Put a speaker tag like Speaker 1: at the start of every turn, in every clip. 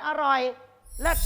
Speaker 1: อร่อยเลิศ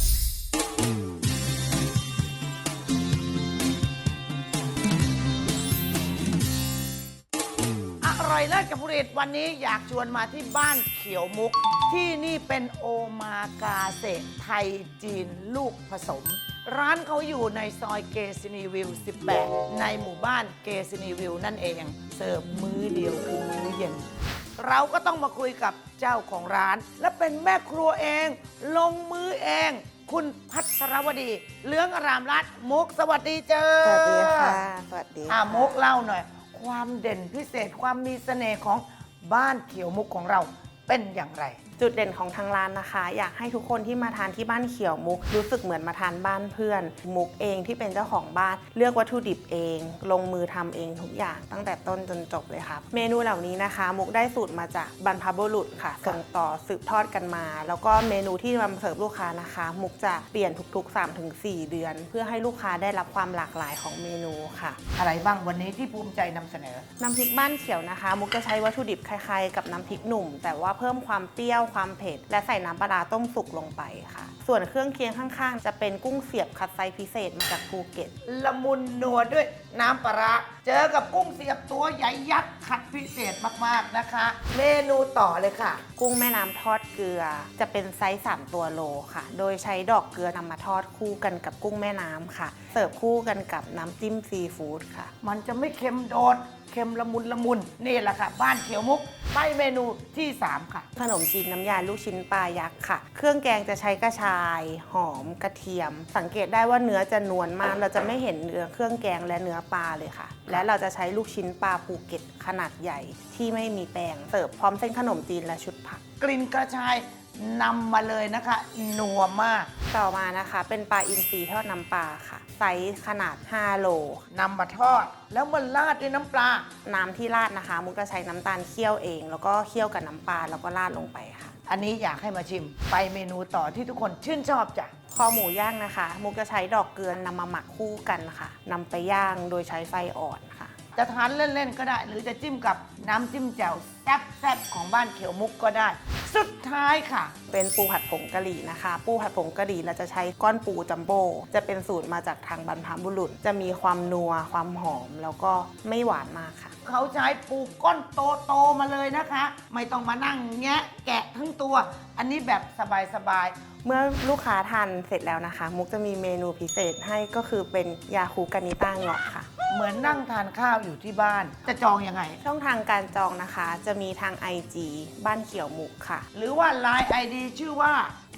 Speaker 1: อร่อยเลิศกับผลิตวันนี้อยากชวนมาที่บ้านเขียวมุกที่นี่เป็นโอมากาเสะไทยจีนลูกผสม ร้านเขาอยู่ในซอยเกซินีวิว 18 ในหมู่บ้านเกซินีวิวนั่นเองเสิร์ฟมื้อเดียวคือมื้อเย็น เราก็ต้องมาคุยกับเจ้าของร้าน และเป็นแม่ครัวเอง ลงมือเอง คุณพัทรวดีเหลืองอารามรัตน์มุกสวัสดีเจ้า
Speaker 2: สวัสดีค่ะสวัสดีค่ะ
Speaker 1: มุกเล่าหน่อย ความเด่นพิเศษความมีเสน่ห์ของบ้านเขียวมุกของเราเป็นอย่างไร
Speaker 2: จุดเด่นของทางร้านนะคะ อยากให้ทุกคนที่มาทานที่บ้านเขียวมุกรู้สึกเหมือนมาทานบ้านเพื่อนมุกเองที่เป็นเจ้าของบ้านเลือกวัตถุดิบเอง ลงมือทำเองทุกอย่างตั้งแต่ต้นจนจบเลยครับเมนูเหล่านี้นะคะ มุกได้สูตรมาจากบรรพบุรุษค่ะส่งต่อสืบทอดกันมา แล้วก็เมนูที่มาเสิร์ฟลูกค้านะคะ มุกจะเปลี่ยนทุกๆ 3-4 เดือน เพื่อให้ลูกค้าได้รับความหลากหลายของเมนูค่ะ
Speaker 1: อะไรบ้างวันนี้ที่ภูมิใจนำเสนอ
Speaker 2: น้ำพริกบ้านเขียวนะคะ มุกจะใช้วัตถุดิบคล้ายๆกับน้ำพริกหนุ่ม แต่ว่าเพิ่มความเปรี้ยวความเผ็ดและใส่น้ำปลาร้าต้มสุกลงไปค่ะ ส่วนเครื่องเคียงข้างๆ จะเป็นกุ้งเสียบคัดไซส์พิเศษมาจากภูเก็ต
Speaker 1: ละมุนนัวด้วยน้ำปลาร้าเจอกับกุ้งเสียบตัวใหญ่ยักษ์ขัดพิเศษมากๆนะคะ เมนูต่อเลยค่ะ
Speaker 2: กุ้งแม่น้ำทอดเกลือ จะเป็นไซส์3ตัวโลค่ะ โดยใช้ดอกเกลือนำมาทอดคู่กันกับกุ้งแม่น้ำค่ะ เสิร์ฟคู่กันกับน้ำจิ้มซีฟู้ดค่ะ
Speaker 1: มันจะไม่เค็มโดดเค็มละมุนละมุนนี่แหละค่ะ บ้านเขียวมุกไปเมนูที่ 3 ค่ะ
Speaker 2: ขนมจีนน้ำยาลูกชิ้นปลายักษ์ค่ะ เครื่องแกงจะใช้กระชาย หอม กระเทียม สังเกตได้ว่าเนื้อจะนวลมาก เราจะไม่เห็นเนื้อเครื่องแกงและเนื้อปลาเลยค่ะ และเราจะใช้ลูกชิ้นปลาภูเก็ตขนาดใหญ่ที่ไม่มีแป้ง เสิร์ฟพร้อมเส้นขนมจีนและชุดผัก
Speaker 1: กลิ่นกระชายนำมาเลยนะคะนัวมาก
Speaker 2: ต่อมานะคะเป็นปลาอินทรีทอดน้ำปลาค่ะ ไซส์ขนาด 5 โล
Speaker 1: นำมาทอด แล้วมันราดด้วยน้ำปลา
Speaker 2: น้ำที่ราดนะคะ มุกจะใช้น้ำตาลเคี่ยวเอง แล้วก็เคี่ยวกับน้ำปลาแล้วก็ราดลงไปค่ะ
Speaker 1: อันนี้อยากให้มาชิม ไปเมนูต่อที่ทุกคนชื่นชอบจ้ะ
Speaker 2: คอหมูย่างนะคะ มุกจะใช้ดอกเกลือนำมาหมักคู่กันค่ะนำไปย่างโดยใช้ไฟอ่อนค่ะ
Speaker 1: จะทานเล่นๆก็ได้ หรือจะจิ้มกับน้ำจิ้มแจ่วแซ่บๆของบ้านเขียวมุกก็ได้ สุดท้ายค่ะ
Speaker 2: เป็นปูผัดผงกะหรี่นะคะ ปูผัดผงกะหรี่เราจะใช้ก้อนปูจัมโบ้จะเป็นสูตรมาจากทางบรรพบุรุษ จะมีความนัวความหอมแล้วก็ไม่หวานมากค่ะ
Speaker 1: เขาใช้ปูก้อนโตๆมาเลยนะคะ ไม่ต้องมานั่งแงะแกะทั้งตัว อันนี้แบบสบาย
Speaker 2: เมื่อลูกค้าทานเสร็จแล้วนะคะ มุกจะมีเมนูพิเศษให้ก็คือเป็นยาคูกานิต้าเงาะค่ะ
Speaker 1: ๆ เหมือนนั่งทานข้าวอยู่ที่บ้าน จะจองยังไง
Speaker 2: ช่องทางการจองนะคะ จะมีทาง IG บ้านเขียวมุกค่ะ
Speaker 1: หรือว่า Line ID ชื่อว่า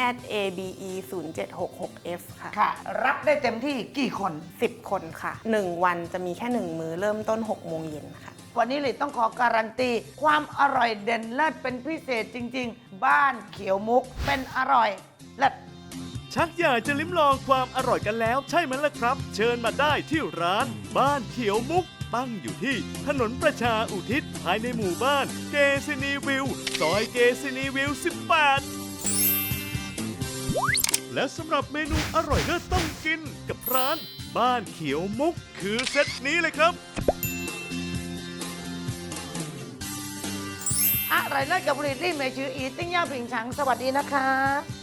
Speaker 2: @abe0766f ค่ะ
Speaker 1: ค่ะ รับได้เต็มที่กี่คน
Speaker 2: 10 คนค่ะ 1 วันจะมีแค่ 1 มื้อเริ่มต้น 6 โมงเย็นค่ะ
Speaker 1: วันนี้เลยต้องขอการันตี ความอร่อยเด่นเลิศเป็นพิเศษจริง ๆ บ้านเขียวมุกเป็นอร่อยเลิศ
Speaker 3: ชักอยากจะลิ้มลองความอร่อยกันแล้วใช่ไหมล่ะครับ เชิญมาได้ที่ร้านบ้านเขียวมุก ตั้งอยู่ที่ถนนประชาอุทิศภายในหมู่บ้านเกซินีวิวซอยเกซินีวิว 18 และสำหรับเมนูอร่อยเลิศต้องกินกับร้านบ้านเขียวมุกคือเซตนี้เลยครับ
Speaker 1: อร่อยเลิศกับผลิตรี่เมชื่ออีติ้งย่าผิงฉังสวัสดีนะคะ